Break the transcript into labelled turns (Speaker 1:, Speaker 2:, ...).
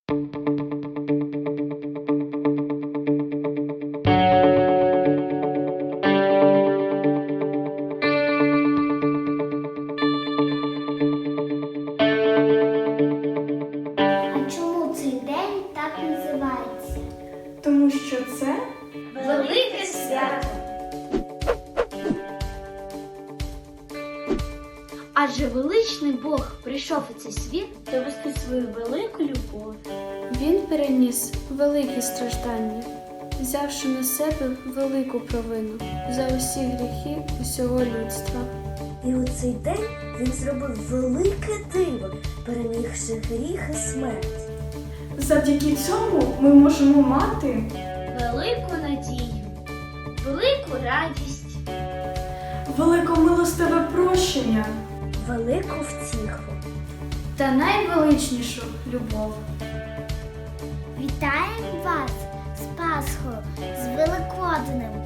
Speaker 1: А чому цей день так називається?
Speaker 2: Тому що це
Speaker 1: Велике свято. Адже величний Бог прийшов у цей світ довести свою велику любов.
Speaker 2: Він переніс великі страждання, взявши на себе велику провину за усі гріхи усього людства.
Speaker 3: І у цей день він зробив велике диво, перемігши гріх і смерть.
Speaker 2: Завдяки цьому ми можемо мати
Speaker 1: Велику надію, велику радість.
Speaker 2: великомилостиве прощення
Speaker 3: Велику втіху.
Speaker 2: та найвеличнішу любов.
Speaker 1: Вітаємо вас з Пасхою, з Великоднем!